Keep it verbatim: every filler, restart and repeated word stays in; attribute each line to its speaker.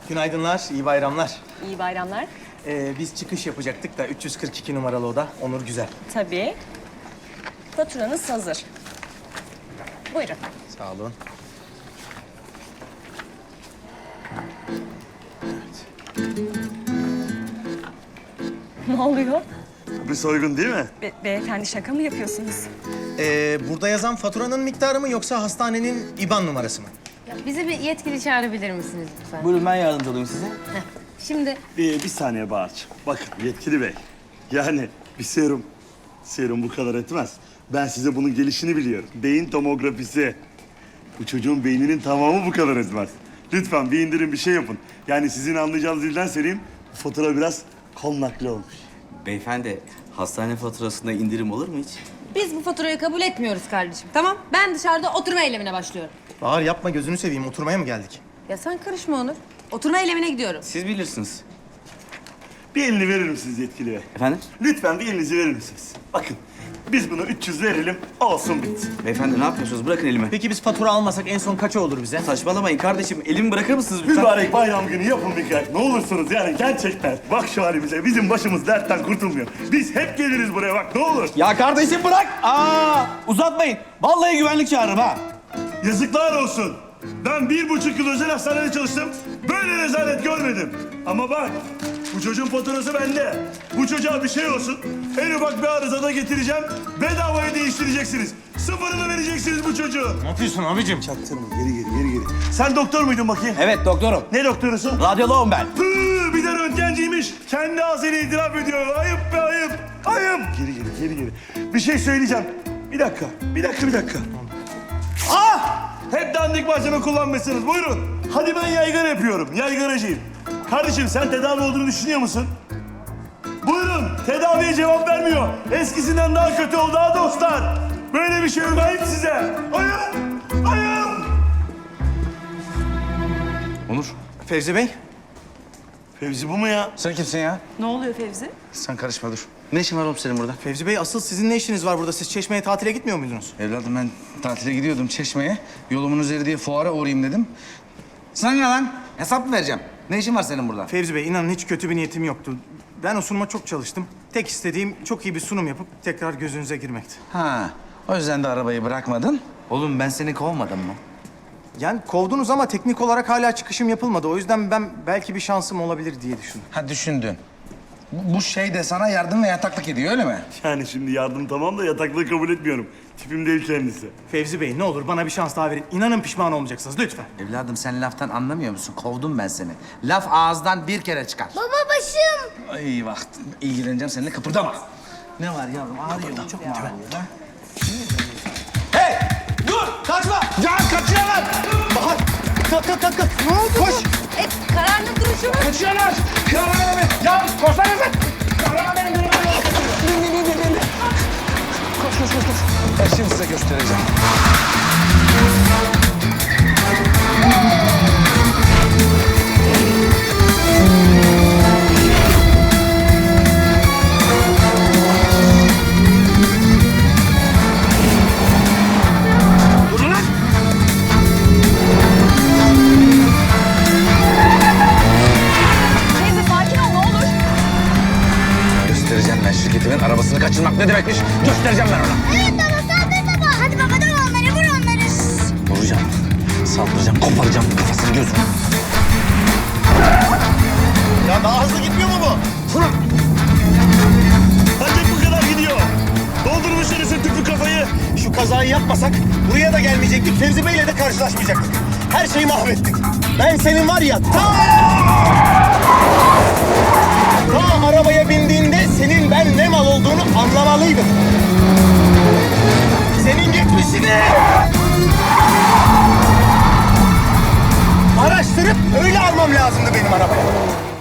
Speaker 1: Günaydınlar, iyi bayramlar.
Speaker 2: İyi bayramlar.
Speaker 1: Ee, biz çıkış yapacaktık da üç yüz kırk iki numaralı oda. Onur Güzel.
Speaker 2: Tabii. Faturanız hazır. Buyurun.
Speaker 1: Sağ olun.
Speaker 2: Ne oluyor?
Speaker 3: Bir soygun değil mi?
Speaker 2: Be beyefendi şaka mı yapıyorsunuz?
Speaker 1: Ee, burada yazan faturanın miktarı mı yoksa hastanenin İ B A N numarası mı?
Speaker 4: Ya bizi bir yetkili çağırabilir misiniz lütfen?
Speaker 5: Buyurun ben yardımcı olayım size.
Speaker 4: Heh, Şimdi
Speaker 3: Bir, bir saniye Bahar'cığım. Bakın yetkili bey. Yani bir serum. Serum bu kadar etmez. Ben size bunun gelişini biliyorum. Beyin tomografisi. Bu çocuğun beyninin tamamı bu kadar etmez. Lütfen bir indirin bir şey yapın. Yani sizin anlayacağınız dilden söyleyeyim. Bu fatura biraz kol nakli olmuş.
Speaker 5: Beyefendi, hastane faturasında indirim olur mu hiç?
Speaker 4: biz bu faturayı kabul etmiyoruz kardeşim. Tamam? Ben dışarıda oturma eylemine başlıyorum.
Speaker 1: Bahar yapma gözünü seveyim. Oturmaya mı geldik?
Speaker 4: Ya sen karışma Onur. Oturma eylemine gidiyorum.
Speaker 5: Siz bilirsiniz.
Speaker 3: Bir elini verir misiniz yetkili bey?
Speaker 5: Efendim?
Speaker 3: Lütfen bir elinizi verir misiniz? Bakın biz bunu üç yüz verelim, olsun bitsin.
Speaker 5: Beyefendi ne yapıyorsunuz? Bırakın elimi.
Speaker 1: Peki biz fatura almasak en son kaça olur bize?
Speaker 5: Saçmalamayın kardeşim. Elimi bırakır mısınız lütfen?
Speaker 3: Mübarek bayram günü yapın bir kere. Ne olursunuz yani gerçekten. Bak şu halimize, bizim başımız dertten kurtulmuyor. Biz hep geliriz buraya bak ne olur.
Speaker 5: Ya kardeşim bırak! Aa, uzatmayın. Vallahi güvenlik çağırırım ha.
Speaker 3: Yazıklar olsun. Ben bir buçuk yıl özel hastanede çalıştım. Böyle rezalet görmedim. Ama bak, bu çocuğun faturası bende. Bu çocuğa bir şey olsun. En ufak bir arızada getireceğim. Bedavaya değiştireceksiniz. Sıfırını vereceksiniz bu çocuğu.
Speaker 1: Ne yapıyorsun abicim?
Speaker 3: Çaktırma, geri geri, geri geri. Sen doktor muydun bakayım?
Speaker 5: Evet doktorum.
Speaker 3: Ne doktorusun?
Speaker 5: Radyoloğum ben.
Speaker 3: Hı, bir de röntgenciymiş. Kendi ağzıyla itiraf ediyor. Ayıp be ayıp. Ayıp. Geri geri, geri geri. Bir şey söyleyeceğim. Bir dakika, bir dakika, bir dakika. Ah! Hep dandik malzeme kullanmışsınız. Buyurun. Hadi ben yaygara yapıyorum. Yaygaracıyım. Kardeşim sen tedavi olduğunu düşünüyor musun? Buyurun. Tedaviye cevap vermiyor. Eskisinden daha kötü oldu ha dostlar. Böyle bir şey yok. Ayıp size. Ayıp. Ayıp.
Speaker 5: Onur.
Speaker 1: Fevzi Bey.
Speaker 3: Fevzi bu mu ya?
Speaker 5: Sen kimsin ya?
Speaker 2: Ne oluyor Fevzi?
Speaker 5: Sen karışma dur. Ne işin var oğlum senin burada?
Speaker 1: Fevzi Bey asıl sizin ne işiniz var burada? Siz Çeşme'ye tatile gitmiyor muydunuz?
Speaker 6: Evladım ben tatile gidiyordum Çeşme'ye. Yolumun üzeri diye fuara uğrayayım dedim.
Speaker 5: Sana ne lan? Hesap mı vereceğim? Ne işin var senin burada?
Speaker 1: Fevzi Bey inanın hiç kötü bir niyetim yoktu. Ben o sunuma çok çalıştım. Tek istediğim çok iyi bir sunum yapıp tekrar gözünüze girmekti.
Speaker 6: Ha, o yüzden de arabayı bırakmadın.
Speaker 5: Oğlum ben seni kovmadım mı?
Speaker 1: Yani kovdunuz ama teknik olarak hala çıkışım yapılmadı. O yüzden ben belki bir şansım olabilir diye düşündüm.
Speaker 6: Ha düşündün. Bu, bu şey de sana yardım ve yataklık ediyor öyle mi?
Speaker 3: Yani şimdi yardım tamam da yataklığı kabul etmiyorum. Tipim değil kendisi.
Speaker 1: Fevzi Bey ne olur bana bir şans daha verin. İnanın pişman olmayacaksınız lütfen.
Speaker 5: Evladım sen laftan anlamıyor musun? Kovdum ben seni. Laf ağızdan bir kere çıkar.
Speaker 4: Baba başım.
Speaker 6: Ay bak ilgileneceğim seninle kıpırdama. Ne var yavrum ağrıyor çok mu ağrıyor ha?
Speaker 5: Hey! Dur! Kaçma!
Speaker 6: Ya kaçıyorlar!
Speaker 1: Bahar! Kalk kalk kalk! kalk. Ne oldu? Koş!
Speaker 4: E, kararlı duruşum.
Speaker 6: Kaçıyorlar! Kıralar beni! Ya koşsana sen! Kıralar beni! Bin, bin, bin, bin, bin. Koş koş koş koş. Ben şimdi size göstereceğim.
Speaker 2: Fevzi sakin ol ne olur.
Speaker 6: Göstereceğim ben şirketimin arabasını kaçırmak ne demekmiş. Göstereceğim ben ona.
Speaker 7: Evet baba saldır baba. Hadi baba döv onları vur onları.
Speaker 6: Vuracağım, saldıracağım, koparacağım kafasını gözünü.
Speaker 1: Ya daha hızlı gitmiyor mu bu?
Speaker 3: Ancak bu kadar gidiyor. Doldurmuşlar ise tüpü kafayı.
Speaker 1: Şu kazayı yapmasak buraya da gelmeyecektik. Fevzi Bey'le de karşılaşmayacaktık. Her şeyi mahvettik. Ben senin var ya ta... Ta arabaya bindiğinde senin ben ne mal olduğunu anlamalıydım. Senin geçmişini... Araştırıp öyle almam lazımdı benim arabaya.